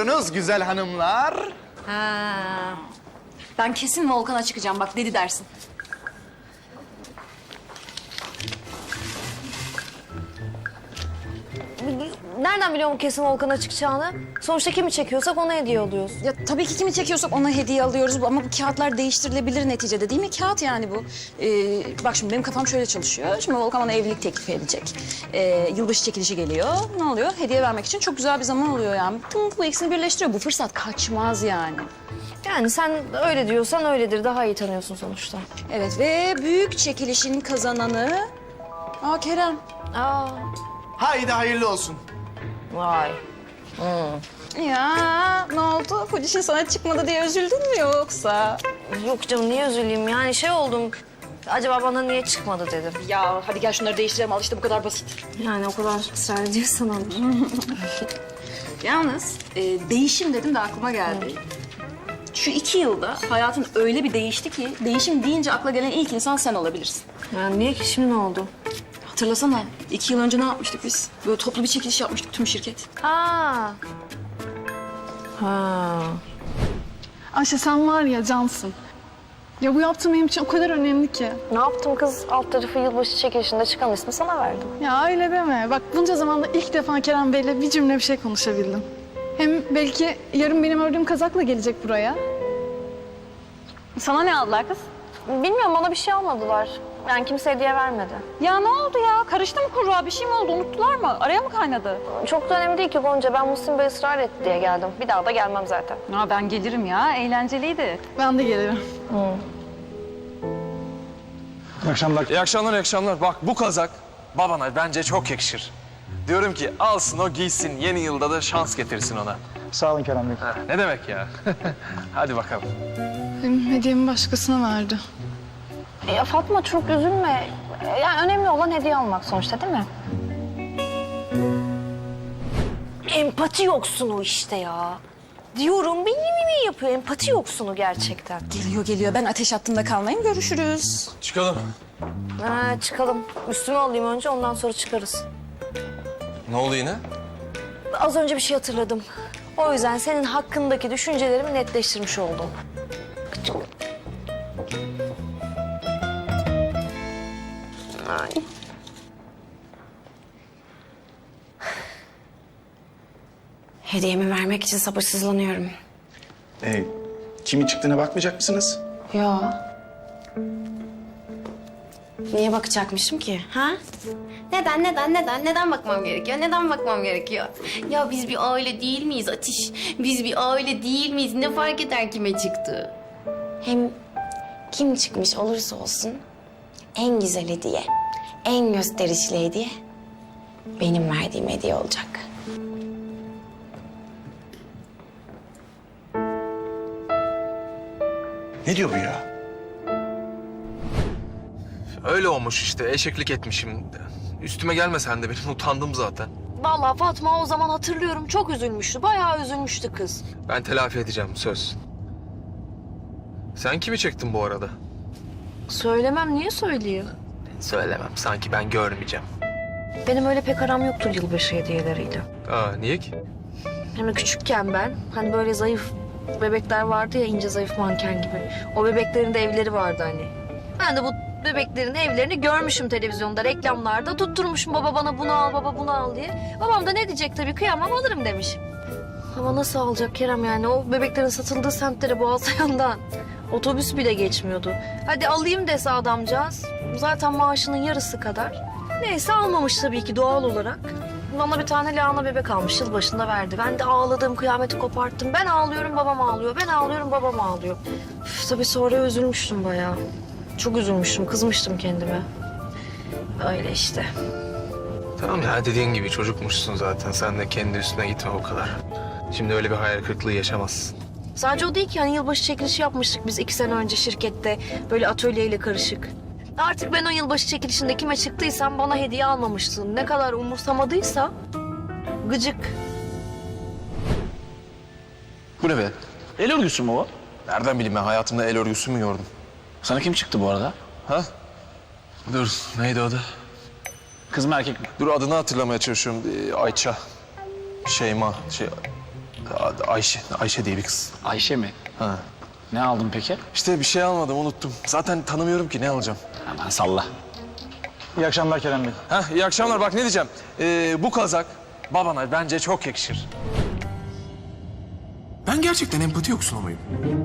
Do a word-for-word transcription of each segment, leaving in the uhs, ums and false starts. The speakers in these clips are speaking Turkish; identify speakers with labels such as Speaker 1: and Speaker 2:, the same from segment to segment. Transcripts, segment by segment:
Speaker 1: Buyurunuz güzel hanımlar.
Speaker 2: Ha. Ben kesin Volkan'a çıkacağım bak dedi dersin.
Speaker 3: Nereden biliyorum kesin Volkan'a çıkacağını? Sonuçta kimi çekiyorsak ona hediye alıyoruz.
Speaker 2: Ya tabii ki kimi çekiyorsak ona hediye alıyoruz ama bu kağıtlar değiştirilebilir neticede değil mi? Kağıt yani bu. Ee, bak şimdi benim kafam şöyle çalışıyor. Şimdi Volkan bana evlilik teklifi edecek. Ee, yılbaşı çekilişi geliyor. Ne oluyor? Hediye vermek için çok güzel bir zaman oluyor yani. Bu, bu ikisini birleştiriyor. Bu fırsat kaçmaz yani.
Speaker 3: Yani sen öyle diyorsan öyledir. Daha iyi tanıyorsun sonuçta.
Speaker 2: Evet ve büyük çekilişin kazananı... Aa Kerem.
Speaker 3: Aa,
Speaker 1: Haydi hayırlı olsun.
Speaker 3: vay.
Speaker 2: Ya ne oldu? Fujişin sana çıkmadı diye üzüldün mü yoksa?
Speaker 3: Yok canım niye üzüleyim? Yani şey oldum. Acaba bana niye çıkmadı dedim.
Speaker 2: Ya hadi gel şunları değiştirelim. Al işte bu kadar basit.
Speaker 3: Yani o kadar ısrar ediyorsan olur.
Speaker 2: Yalnız e, değişim dedim de aklıma geldi. Şu iki yılda hayatın öyle bir değişti ki... ...değişim deyince akla gelen ilk insan sen olabilirsin.
Speaker 3: Yani niye ki şimdi ne oldu?
Speaker 2: Hatırlasana, iki yıl önce ne yapmıştık biz? Böyle toplu bir çekiliş yapmıştık tüm şirket.
Speaker 3: Aa. Ha.
Speaker 4: Ayşe sen var ya cansın. Ya bu yaptığım benim için o kadar önemli ki.
Speaker 3: Ne yaptım kız? Alt tarafı yılbaşı çekilişinde çıkan ismi sana verdim.
Speaker 4: Ya öyle deme. Bak bunca zamanda ilk defa Kerem Bey'le bir cümle bir şey konuşabildim. Hem belki yarın benim ördüğüm kazakla gelecek buraya. Sana ne aldılar kız?
Speaker 3: Bilmiyorum bana bir şey almadılar. Yani kimse hediye vermedi.
Speaker 5: Ya ne oldu ya? Karıştı mı kurruğa? Bir şey mi oldu? Unuttular mı? Araya mı kaynadı?
Speaker 3: Çok da önemli değil ki Gonca. Ben Muhsin Bey ısrar etti diye geldim. Bir daha da gelmem zaten.
Speaker 5: Ya ben gelirim ya. Eğlenceliydi.
Speaker 4: Ben de gelirim.
Speaker 6: İyi akşamlar.
Speaker 7: İyi akşamlar, iyi akşamlar. Bak bu kazak babana bence çok yakışır. Diyorum ki alsın o giysin, yeni yılda da şans getirsin ona.
Speaker 6: Sağ olun Kerem Bey.
Speaker 7: Ha, ne demek ya? Hadi bakalım.
Speaker 4: Benim hediyemi başkasına verdi.
Speaker 3: Ya Fatma çok üzülme. Yani önemli olan hediye almak sonuçta değil mi? Empati yoksunu işte ya. Diyorum beni mi yapıyor? Empati yoksunu gerçekten.
Speaker 2: Geliyor geliyor. Ben ateş hattında kalmayayım. Görüşürüz.
Speaker 7: Çıkalım.
Speaker 3: Ha, çıkalım. Üstüme alayım önce ondan sonra çıkarız.
Speaker 7: Ne oldu yine?
Speaker 3: Az önce bir şey hatırladım. O yüzden senin hakkındaki düşüncelerimi netleştirmiş oldum. Ay.
Speaker 8: Hediyemi vermek için sabırsızlanıyorum.
Speaker 6: Ee, kimin çıktığına bakmayacak mısınız?
Speaker 8: Ya. Niye bakacakmışım ki? Ha? Neden, neden, neden? Neden bakmam gerekiyor? Neden bakmam gerekiyor? Ya biz bir aile değil miyiz Ateş? Biz bir aile değil miyiz? Ne fark eder kime çıktı? Hem kim çıkmış olursa olsun en güzel hediye, en gösterişli hediye benim verdiğim hediye olacak.
Speaker 6: Ne diyor bu ya?
Speaker 7: Öyle olmuş işte, eşeklik etmişim. Üstüme gelme sen de, benim utandım zaten.
Speaker 3: Vallahi Fatma o zaman hatırlıyorum çok üzülmüştü. Bayağı üzülmüştü kız.
Speaker 7: Ben telafi edeceğim, söz. Sen kimi çektin bu arada?
Speaker 3: Söylemem niye söyleyeyim?
Speaker 7: Söylemem, sanki ben görmeyeceğim.
Speaker 3: Benim öyle pek aram yoktur yılbaşı hediyeleriyle.
Speaker 7: Aa, niye ki?
Speaker 3: Hem küçükken ben hani böyle zayıf bebekler vardı ya ince zayıf manken gibi. O bebeklerin de evleri vardı hani. Ben de bu bebeklerin evlerini görmüşüm televizyonda, reklamlarda. Tutturmuşum baba bana bunu al, baba bunu al diye. Babam da ne diyecek tabii kıyamam alırım demiş. Ama nasıl alacak Kerem yani o bebeklerin satıldığı semtlere Boğazlayan'dan. Otobüs bile geçmiyordu. Hadi alayım dese adamcağız. Zaten maaşının yarısı kadar. Neyse almamış tabii ki doğal olarak. Bana bir tane lahana bebek almış, yıl başında verdi. Ben de ağladım, kıyameti koparttım. Ben ağlıyorum, babam ağlıyor. Ben ağlıyorum, babam ağlıyor. Üf, tabii sonra üzülmüştüm bayağı. Çok üzülmüştüm, kızmıştım kendime. Öyle işte.
Speaker 7: Tamam ya, dediğin gibi çocukmuşsun zaten. Sen de kendi üstüne gitme o kadar. Şimdi öyle bir hayal kırıklığı yaşamazsın.
Speaker 3: Sadece o değil ki hani yılbaşı çekilişi yapmıştık biz iki sene önce şirkette. Böyle atölyeyle karışık. Artık ben o yılbaşı çekilişinde kime çıktıysam bana hediye almamıştın. Ne kadar umursamadıysa gıcık.
Speaker 7: Bu ne be?
Speaker 6: El örgüsü mü o?
Speaker 7: Nereden bileyim ben, hayatımda el örgüsü mü gördüm?
Speaker 6: Sana kim çıktı bu arada?
Speaker 7: Ha? Dur, neydi adı?
Speaker 6: Kız mı erkek mi?
Speaker 7: Dur, adını hatırlamaya çalışıyorum. Ee, Ayça. Şeyma. Şey... A- Ayşe, Ayşe diye bir kız.
Speaker 9: Ayşe mi?
Speaker 7: Ha.
Speaker 9: Ne aldın peki?
Speaker 7: İşte bir şey almadım, unuttum. Zaten tanımıyorum ki, ne alacağım?
Speaker 9: Aman salla.
Speaker 6: İyi akşamlar Kerem Bey.
Speaker 7: Heh, iyi akşamlar. Bak ne diyeceğim. Ee, bu kazak babana bence çok yakışır.
Speaker 10: Ben gerçekten empati yoksunu muyum?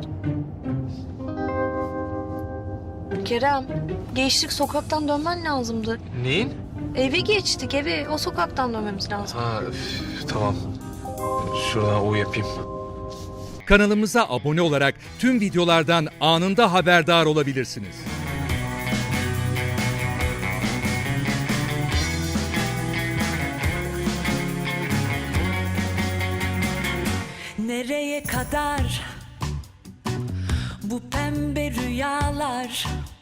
Speaker 3: Kerem, gençlik sokaktan dönmen lazımdı.
Speaker 7: Neyin?
Speaker 3: Eve geçtik eve. O sokaktan dönmemiz lazım.
Speaker 7: Ha, üf, tamam. Şuradan U yapayım.
Speaker 11: Kanalımıza abone olarak tüm videolardan anında haberdar olabilirsiniz.
Speaker 12: Nereye kadar bu pembe rüyalar?